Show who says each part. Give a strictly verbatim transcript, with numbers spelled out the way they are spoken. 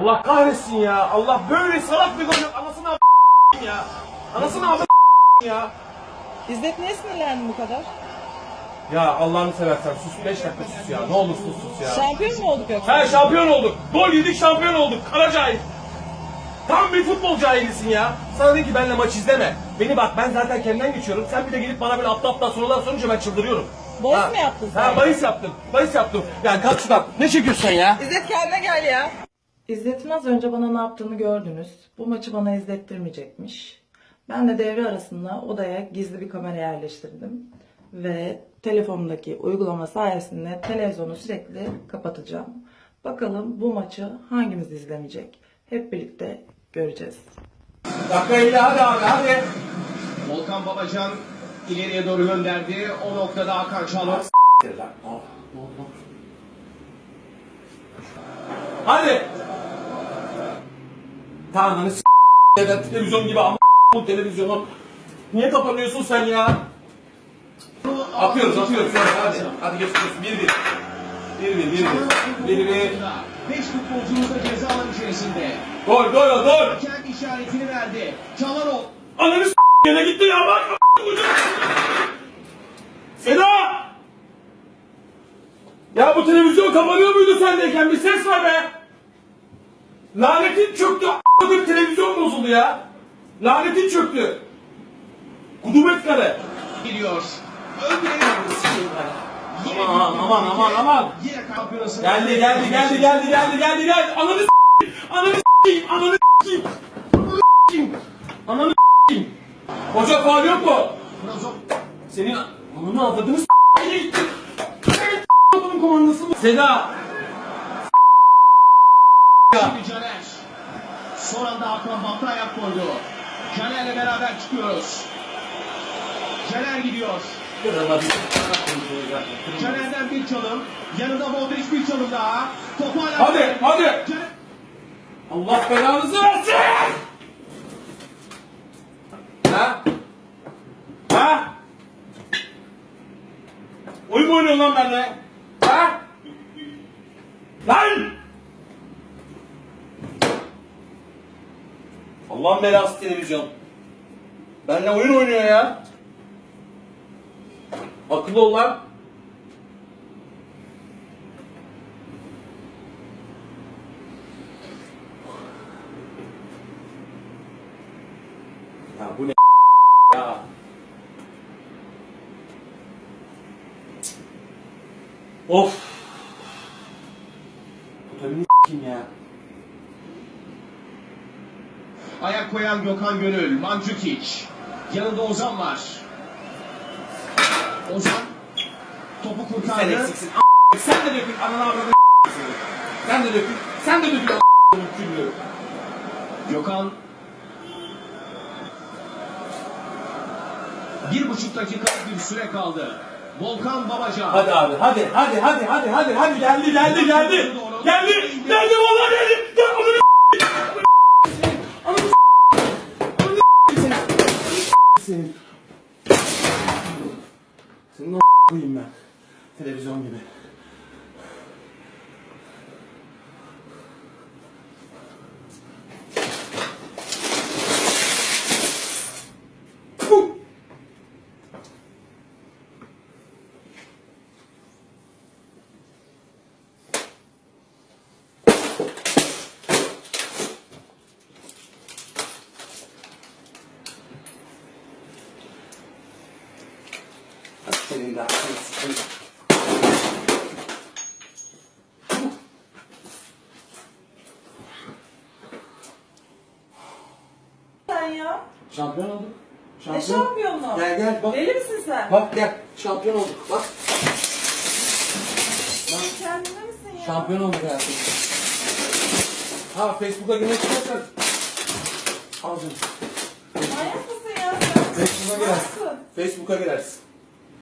Speaker 1: Allah kahretsin ya. Allah böyle salak bir gol yok. Anasını a** ya. Anasını a** ya.
Speaker 2: İzzet niye sinirlendin bu kadar?
Speaker 1: Ya Allah'ını seversen sus, beş dakika sus ya. Ne olur sus sus ya.
Speaker 2: Şampiyon mu olduk yoksa?
Speaker 1: He şampiyon olduk. Gol yedik, şampiyon olduk. Kara cahil. Tam bir futbol cahilisin ya. Sana dedim ki benimle maç izleme. Beni bak, ben zaten kendimden geçiyorum. Sen bir de gelip bana böyle aptal aptal sorular sorunca ben çıldırıyorum.
Speaker 2: Bahis
Speaker 1: Ha.
Speaker 2: mi yaptın sen?
Speaker 1: Ha bahis yaptım. Bahis yaptım. Yani kalk şuradan. Ne çekiyorsun sen ya?
Speaker 2: İzzet kendine gel ya. İzzet'in az önce bana ne yaptığını gördünüz. Bu maçı bana izlettirmeyecekmiş. Ben de devre arasında odaya gizli bir kamera yerleştirdim. Ve telefonumdaki uygulama sayesinde televizyonu sürekli kapatacağım. Bakalım bu maçı hangimiz izlemeyecek? Hep birlikte göreceğiz.
Speaker 1: Dakika elli, hadi abi hadi.
Speaker 3: Volkan Babacan ileriye doğru gönderdi. O noktada Hakan Çalhanoğlu.
Speaker 1: Hadi. Tanrı'nı s*** ya televizyon gibi ama bu televizyonu. Niye kapanıyorsun sen ya? Atıyoruz atıyoruz hadi. Hadi geçiyoruz. bir bir. bir bir bir bir. bir bir.
Speaker 3: beş futbolcumuz da ceza alanı içerisinde.
Speaker 1: Gol gol gol.
Speaker 3: Kendi işaretini verdi. Çalhanoğlu.
Speaker 1: Ananı s*** yine gitti ya bak. Seda! Ya bu televizyon kapanıyor muydu sendeyken? Bir ses var be! Lanetin çöktü, a**ladım televizyon bozuldu ya! Lanetin çöktü! Kudumet kare!
Speaker 3: Gidiyor. Öldürüyor.
Speaker 1: Aman aman aman aman!
Speaker 3: Yine kampiyonası.
Speaker 1: Geldi geldi geldi geldi geldi geldi geldi! Ananı s***yim! Ananı s***yim! Ananı s***yim! Ananı s***yim! Ananı s***yim! Hoca faul yok mu? Senin ananı avladığını s***ye gitti! Adamın komandası mı? Seda!
Speaker 3: Şimdi Caner. Son anda Hakan Batı ayak koydu. Caner'le beraber çıkıyoruz. Caner gidiyor. Caner'den bir çalım. Yanında Modric bir çalım daha. Topu hala...
Speaker 1: Hadi hadi!
Speaker 3: Caner...
Speaker 1: Allah belanızı versin! Ha? Ha? Oyun mu oynuyorsun lan benimle? Ha? Lan! Allah'ın belası televizyon. Benimle oyun oynuyor ya. Akıllı ol lan. Ya bu ne ya? Of. Bu tabii ne kim ya?
Speaker 3: Ayak koyan Gökhan Gönül, Mandzukic. Yanında Ozan var. Ozan topu
Speaker 1: Sen
Speaker 3: kurtardı.
Speaker 1: eksiksin. A**. Sen de dökün ananı avradını s***sın. Sen de dökün. Sen de dökün a***ın küllü.
Speaker 3: Gökhan bir buçuk dakika bir süre kaldı. Volkan Babacan.
Speaker 1: Hadi abi hadi hadi hadi hadi hadi hadi geldi geldi geldi. Geldi geldi vallahi geldi. Gel ananı s***. Ananı s***. Ananı s***. Senin. Senin o koyayım ben. Televizyon gibi. Puh. Senin de aklını sıkın.
Speaker 2: Sen ya.
Speaker 1: Şampiyon olduk.
Speaker 2: Ne şampiyonu?
Speaker 1: Gel gel bak.
Speaker 2: Deli misin sen?
Speaker 1: Bak gel. Şampiyon olduk. Bak.
Speaker 2: Kendine misin ya?
Speaker 1: Şampiyon olduk hayatım. Ha Facebook'a girmek istersen. Al canım.
Speaker 2: Manyak mısın ya sen?
Speaker 1: Facebook'a girersin.
Speaker 2: Nasıl?
Speaker 1: Facebook'a girersin.